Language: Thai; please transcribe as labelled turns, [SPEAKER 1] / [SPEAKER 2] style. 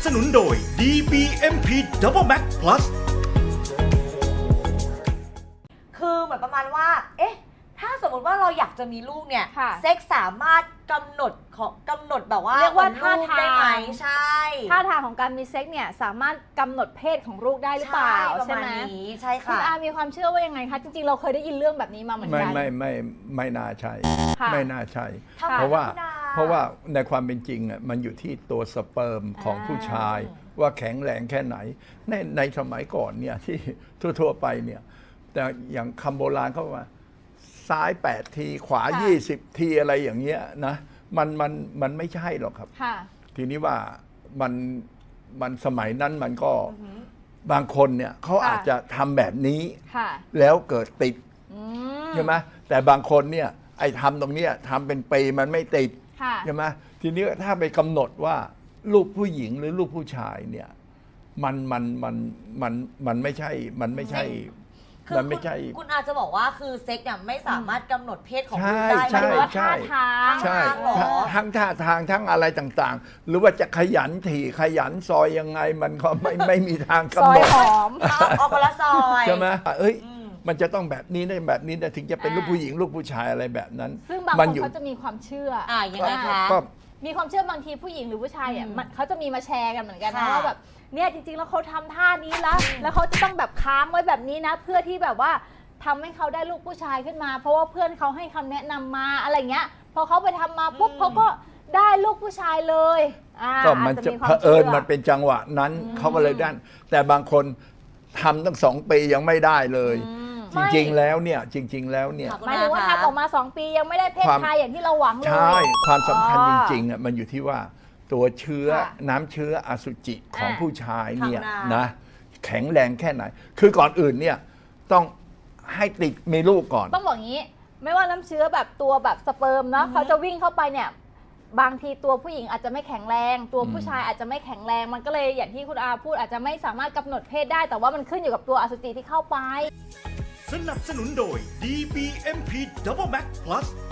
[SPEAKER 1] นุนโดย DBMP Double Max Plus
[SPEAKER 2] คือเหมือนประมาณว่า เอ๊ะ ถ้าสมมติว่าเราอยากจะมีลูกเนี่ย
[SPEAKER 3] ค่ะ
[SPEAKER 2] เซ็กสามารถกำหนดแบบว่า
[SPEAKER 3] เรียกว่า
[SPEAKER 2] หมือนลูได้ไหม
[SPEAKER 3] ท่าทาง
[SPEAKER 2] ใช่
[SPEAKER 3] ท่าทางของการมีเซ็กเนี่ยสามารถกำหนดเพศของลูกได้หรือเปล่า
[SPEAKER 2] ประ
[SPEAKER 3] ใช่
[SPEAKER 2] มาณ
[SPEAKER 3] ไหม
[SPEAKER 2] นี้ใช่
[SPEAKER 3] คุณ
[SPEAKER 2] ค่ะ
[SPEAKER 3] อามีความเชื่อว่ายังไงคะจริงๆเราเคยได้ยินเรื่องแบบนี้มาเหมือนกัน
[SPEAKER 4] ไม่น่าใช่
[SPEAKER 3] ค่ะ
[SPEAKER 4] ไม่น่าใช่
[SPEAKER 2] ทำไม
[SPEAKER 4] เพราะว่า
[SPEAKER 2] คุณอา
[SPEAKER 4] เพราะว่าในความเป็นจริงอ่ะมันอยู่ที่ตัวสเปิร์มของผู้ชาย ว่าแข็งแรงแค่ไหนในสมัยก่อนเนี่ยที่ทั่วๆไปเนี่ยแต่อย่างคำโบราณเขาว่าซ้าย8ทีขวา
[SPEAKER 3] ค่ะ
[SPEAKER 4] 20ทีอะไรอย่างเงี้ยนะมันไม่ใช่หรอกครับ
[SPEAKER 3] ค่ะ
[SPEAKER 4] ทีนี้ว่ามันสมัยนั้นมันก็บางคนเนี่ยเขา
[SPEAKER 3] ค่ะ
[SPEAKER 4] อาจจะทำแบบนี้
[SPEAKER 3] ค่ะ
[SPEAKER 4] แล้วเกิดติด
[SPEAKER 3] อืม
[SPEAKER 4] ใช่ไหมแต่บางคนเนี่ยไอ้ทำตรงเนี้ยทำเป็นปีมันไม่ติด
[SPEAKER 3] ค่ะ
[SPEAKER 4] ใช่ไหมทีนี้ถ้าไปกำหนดว่าลูกผู้หญิงหรือลูกผู้ชายเนี่ยมันไม่ใช่มันไม่ใช่
[SPEAKER 2] คือ
[SPEAKER 4] มันไม่ใช่
[SPEAKER 2] คุณอาจจะบอกว่าคือเซ็กเนี่ยไม่สามารถกำหนดเพศของ
[SPEAKER 4] ใช่
[SPEAKER 2] ลูกได้
[SPEAKER 4] ใช่
[SPEAKER 3] หมายถึงว่า
[SPEAKER 4] ใช่
[SPEAKER 3] ท่าทาง
[SPEAKER 4] ใช่
[SPEAKER 2] ท่าทางเหรอ
[SPEAKER 4] ทั้งท่าทางทั้งอะไรต่างๆ หรือว่าจะขยันถี่ขยันซอยยังไงมันก็ไม่มีทาง
[SPEAKER 3] ซอก
[SPEAKER 4] ำห
[SPEAKER 3] ย
[SPEAKER 4] นด
[SPEAKER 3] หอม
[SPEAKER 2] เอาคนละซอย
[SPEAKER 4] ใช่ไหมเอ้ย
[SPEAKER 2] อืม
[SPEAKER 4] มันจะต้องแบบนี้ได้แบบนี้นะถึงจะเป็นลูกผู้หญิงลูกผู้ชายอะไรแบบนั้น
[SPEAKER 3] ซึ่งบาง
[SPEAKER 4] มั
[SPEAKER 3] คน
[SPEAKER 4] อยู่
[SPEAKER 3] เขาจะมีความเชื่อ
[SPEAKER 2] ยังไงคะ
[SPEAKER 4] ก็
[SPEAKER 3] มีความเชื่อบางทีผู้หญิงหรือผู้ชายเนี่ยเขาจะมีมาแชร์กันเหมือนกันนะ
[SPEAKER 2] ค่ะ
[SPEAKER 3] ว่าแบบเนี่ยจริงๆแล้วเขาทำท่านี้แล้วเขาจะต้องแบบค้างไว้แบบนี้นะ เพื่อที่แบบว่าทำให้เขาได้ลูกผู้ชายขึ้นมา เพราะว่าเพื่อนเขาให้คำแนะนำมาอะไรเงี้ยพอเขาไปทำมาปุ๊บเขาก็ได้ลูกผู้ชายเลย
[SPEAKER 4] ก็มัน
[SPEAKER 3] อา
[SPEAKER 4] จะ
[SPEAKER 3] ควา
[SPEAKER 4] เผอิญ
[SPEAKER 3] ชื่อ
[SPEAKER 4] มันเป็นจังหวะนั้นเขาก็เลยได้แต่บางคนทำตั้ง2 ปียังไม่ได้เลย จริงๆแล้วเนี่ย
[SPEAKER 2] ค่ะ
[SPEAKER 3] หมายถึงว่าทำออกมา2 ปียังไม่ได้เพศ
[SPEAKER 4] ความ
[SPEAKER 3] ชายอย่างที่เราหวังเลย
[SPEAKER 4] ใช่ความสำคัญ
[SPEAKER 3] อ๋
[SPEAKER 4] จ
[SPEAKER 3] อ
[SPEAKER 4] ริงๆอ่ะมันอยู่ที่ว่าตัวเชื้อ
[SPEAKER 3] ค่ะ
[SPEAKER 4] น้ำเชื้ออสุจิของ
[SPEAKER 3] อ่ะ
[SPEAKER 4] ผู้ชายเนี่ย
[SPEAKER 2] ข้างหน้าน
[SPEAKER 4] นะแข็งแรงแค่ไหน คือก่อนอื่นเนี่ยต้องให้ติดมีลูกก่อน
[SPEAKER 3] ต้องบอกงี้ไม่ว่าน้ำเชื้อแบบตัวแบบสเปิร์มเนาะเขาจะวิ่งเข้าไปเนี่ยบางทีตัวผู้หญิงอาจจะไม่แข็งแรง ตัวผู้ชายอาจจะไม่แข็งแรง มันก็เลยอย่างที่คุณอาพูดอาจจะไม่สามารถกำหนดเพศได้ แต่ว่ามันขึ้นอยู่กับตัวอสุจิที่เข้าไป
[SPEAKER 1] สนับสนุนโดย DBMP Double Max Plus